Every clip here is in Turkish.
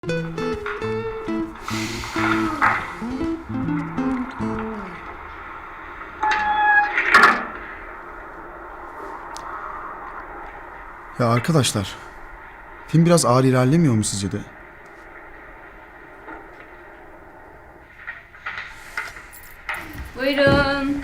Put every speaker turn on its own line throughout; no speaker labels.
Ya arkadaşlar, film biraz ağır ilerlemiyor mu sizce de?
Buyurun.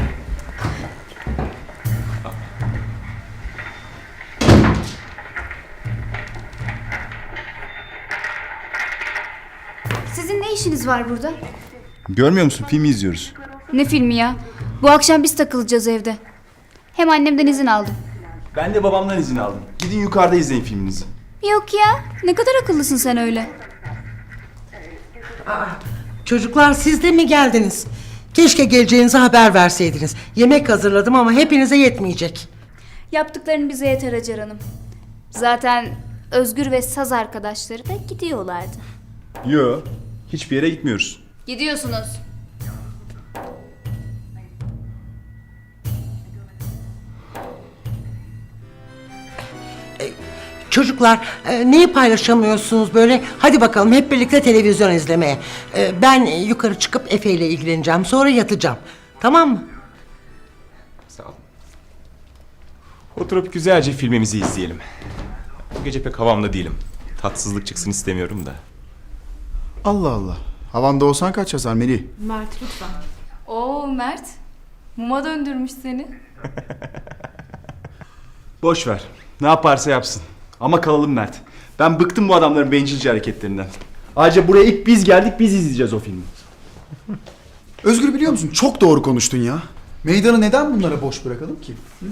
Sizin ne işiniz var burada?
Görmüyor musun? Filmi izliyoruz.
Ne filmi ya? Bu akşam biz takılacağız evde. Hem annemden izin aldım.
Ben de babamdan izin aldım. Gidin yukarıda izleyin filminizi.
Yok ya, ne kadar akıllısın sen öyle.
Çocuklar siz de mi geldiniz? Keşke geleceğinizi haber verseydiniz. Yemek hazırladım ama hepinize yetmeyecek.
Yaptıkların bize yeter Hacer Hanım. Zaten Özgür ve Saz arkadaşları da gidiyorlardı.
Yo, hiçbir yere gitmiyoruz.
Gidiyorsunuz.
Çocuklar neyi paylaşamıyorsunuz böyle? Hadi bakalım hep birlikte televizyon izlemeye. Ben yukarı çıkıp Efe ile ilgileneceğim. Sonra yatacağım. Tamam mı?
Sağ olun. Oturup güzelce filmimizi izleyelim. Bu gece pek havamda değilim. Tatsızlık çıksın istemiyorum da.
Allah Allah. Havanda olsan kaç yazar Melih?
Mert lütfen. Oo Mert. Muma döndürmüş seni.
Boş ver. Ne yaparsa yapsın. Ama kalalım Mert. Ben bıktım bu adamların bencilce hareketlerinden. Ayrıca buraya ilk biz geldik, biz izleyeceğiz o filmi.
Özgür biliyor musun? Çok doğru konuştun ya. Meydanı neden bunlara boş bırakalım ki? Hı?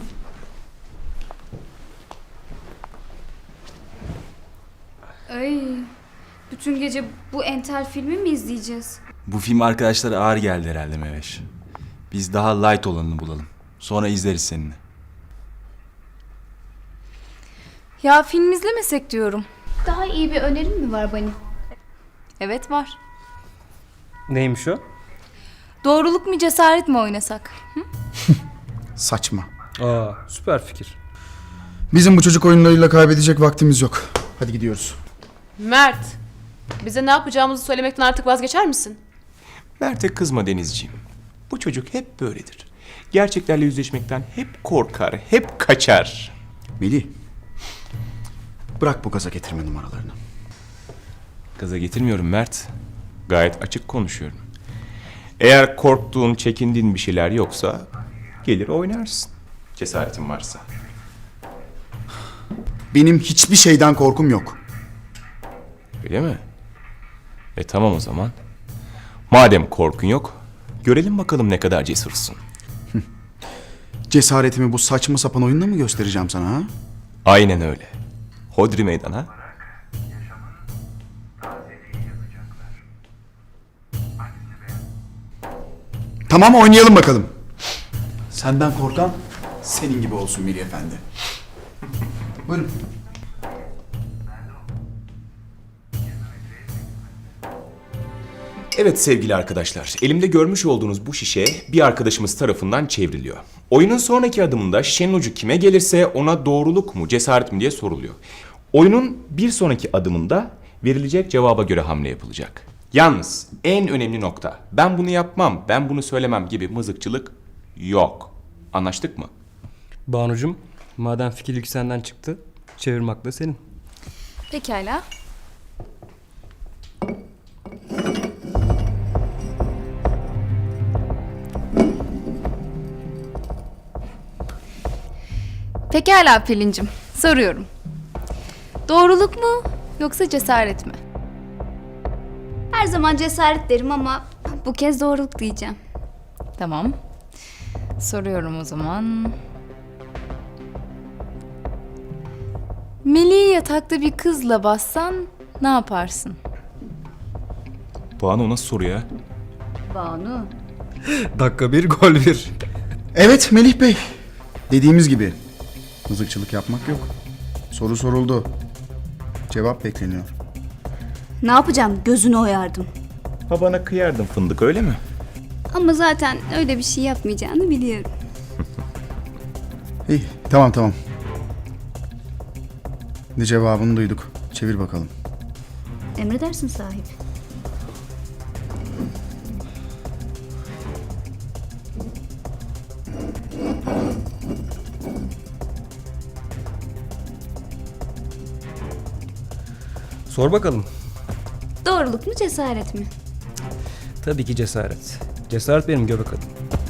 Ay, bütün gece bu entel filmi mi izleyeceğiz?
Bu film arkadaşlara ağır geldi herhalde Meveş. Biz daha light olanını bulalım. Sonra izleriz seninle.
Ya film izlemesek diyorum.
Daha iyi bir önerin mi var Bani?
Evet var.
Neymiş o?
Doğruluk mu cesaret mi oynasak?
Saçma.
Aa, süper fikir.
Bizim bu çocuk oyunlarıyla kaybedecek vaktimiz yok. Hadi gidiyoruz.
Mert, bize ne yapacağımızı söylemekten artık vazgeçer misin?
Mert'e kızma Denizciğim. Bu çocuk hep böyledir. Gerçeklerle yüzleşmekten hep korkar, hep kaçar.
Melih. Bırak bu gaza getirme numaralarını.
Gaza getirmiyorum Mert. Gayet açık konuşuyorum. Eğer korktuğun, çekindiğin bir şeyler yoksa gelir oynarsın. Cesaretin varsa.
Benim hiçbir şeyden korkum yok.
Öyle mi? Tamam o zaman. Madem korkun yok, görelim bakalım ne kadar cesursun.
Cesaretimi bu saçma sapan oyunla mı göstereceğim sana ha?
Aynen öyle. Hodri meydan ha?
Tamam oynayalım bakalım. Senden korkan senin gibi olsun Melih Efendi. Buyurun.
Evet sevgili arkadaşlar, elimde görmüş olduğunuz bu şişe bir arkadaşımız tarafından çevriliyor. Oyunun sonraki adımında şişenin ucu kime gelirse ona doğruluk mu, cesaret mi diye soruluyor. Oyunun bir sonraki adımında verilecek cevaba göre hamle yapılacak. Yalnız en önemli nokta, ben bunu yapmam, ben bunu söylemem gibi mızıkçılık yok. Anlaştık mı?
Banucum, madem fikirlik senden çıktı, çevirmek de senin.
Pekala. Pekala Pelin'cim. Soruyorum. Doğruluk mu yoksa cesaret mi?
Her zaman cesaret derim ama bu kez doğruluk diyeceğim.
Tamam. Soruyorum o zaman. Melih'i yatakta bir kızla bassan ne yaparsın?
Banu nasıl soru ya?
Banu.
Dakika bir, gol bir.
Evet Melih Bey. Dediğimiz gibi. Mızıkçılık yapmak yok. Soru soruldu. Cevap bekleniyor.
Ne yapacağım? Gözünü oyardım.
Ha bana kıyardın fındık öyle mi?
Ama zaten öyle bir şey yapmayacağını biliyorum.
İyi tamam. Ne cevabını duyduk. Çevir bakalım.
Emredersin sahip.
Sor bakalım.
Doğruluk mu cesaret mi?
Tabii ki cesaret. Cesaret benim göbek adım.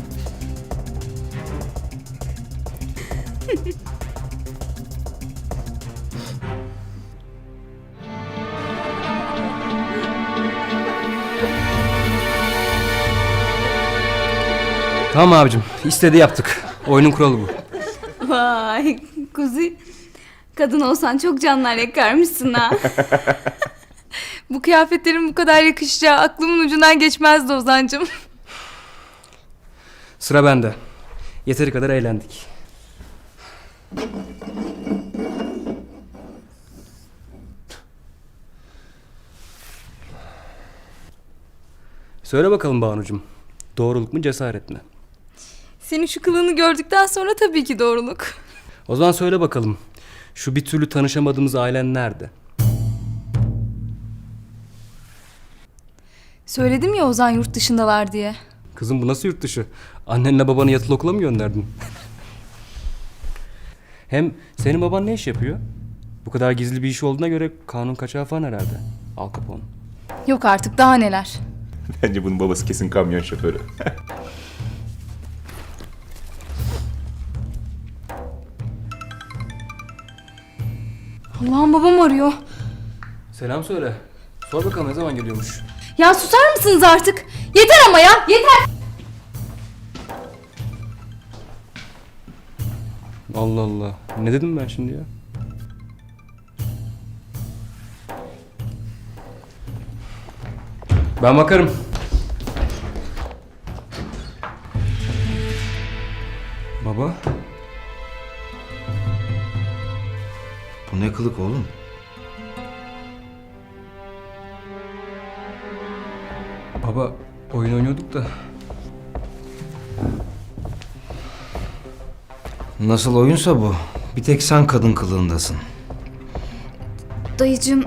Tamam abicim. İstediği yaptık. Oyunun kuralı bu.
Vay Kuzi. Kadın olsan çok canlar yakarmışsın ha.
Bu kıyafetlerin bu kadar yakışacağı aklımın ucundan geçmezdi Ozan'cığım.
Sıra bende. Yeteri kadar eğlendik. Söyle bakalım Banucuğum. Doğruluk mu cesaret mi?
Senin şu kılığını gördükten sonra tabii ki doğruluk.
O zaman söyle bakalım. Şu bir türlü tanışamadığımız ailen nerede?
Söyledim ya Ozan yurt dışındalar diye.
Kızım bu nasıl yurt dışı? Annenle babanı yatılı okula mı gönderdin? Hem senin baban ne iş yapıyor? Bu kadar gizli bir iş olduğuna göre kanun kaçağı falan herhalde. Al Capone.
Yok artık daha neler.
Bence bunun babası kesin kamyon şoförü.
Allah'ım babam arıyor.
Selam söyle. Sor bakalım ne zaman geliyormuş?
Ya susar mısınız artık? Yeter ama ya yeter.
Allah Allah. Ne dedim ben şimdi ya? Ben bakarım. Baba.
Bu ne kılık oğlum?
Baba oyun oynuyorduk da.
Nasıl oyunsa bu. Bir tek sen kadın kılığındasın.
Dayıcığım.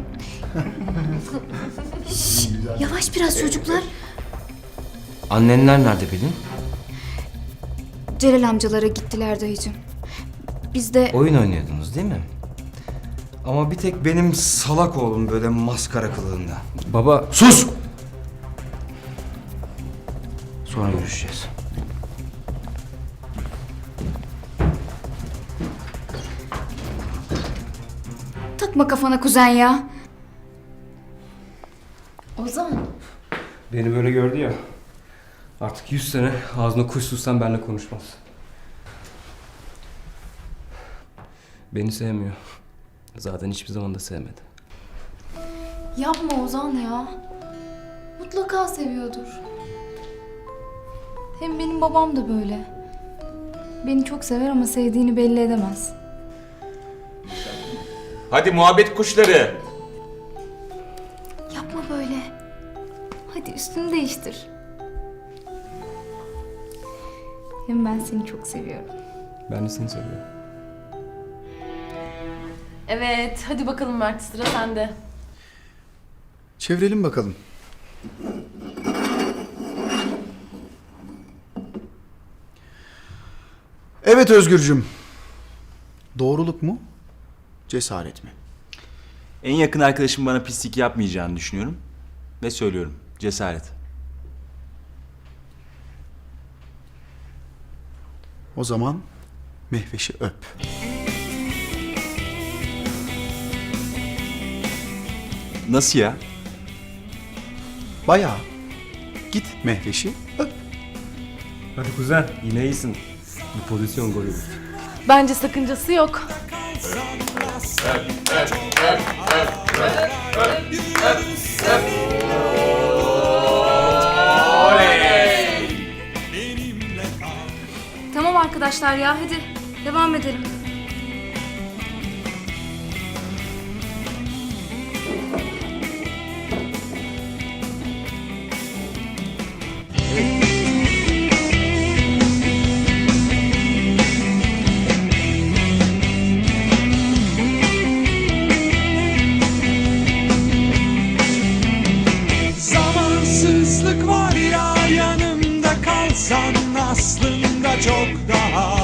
Şş, yavaş biraz çocuklar.
Annenler nerede Pelin?
Celal amcalara gittiler dayıcığım. Biz de...
Oyun oynuyordunuz değil mi? Ama bir tek benim salak oğlum böyle maskara kılığında.
Baba
Sus! Sonra görüşeceğiz.
Takma kafana kuzen ya.
Ozan.
beni böyle gördü ya. Artık 100 sene ağzına kuş tutsan benimle konuşmaz. Beni sevmiyor. Zaten hiçbir zaman da sevmedi.
Yapma Ozan ya. Mutlaka seviyordur. Hem benim babam da böyle. Beni çok sever ama sevdiğini belli edemez.
Hadi muhabbet kuşları.
Yapma böyle. Hadi üstünü değiştir. Hem ben seni çok seviyorum.
Ben de seni seviyorum.
Evet, hadi bakalım Mert, sıra sende.
Çevirelim bakalım. Evet Özgürcüm. Doğruluk mu? Cesaret mi?
En yakın arkadaşım bana pislik yapmayacağını düşünüyorum. Ve söylüyorum. Cesaret.
O zaman Mehveş'i öp.
Nasıl ya?
Bayağı. Git Mehveş'i öp.
Hadi kuzen yine iyisin. Bu pozisyon golü.
Bence sakıncası yok.
Tamam arkadaşlar ya hadi devam edelim.
İnsan aslında çok daha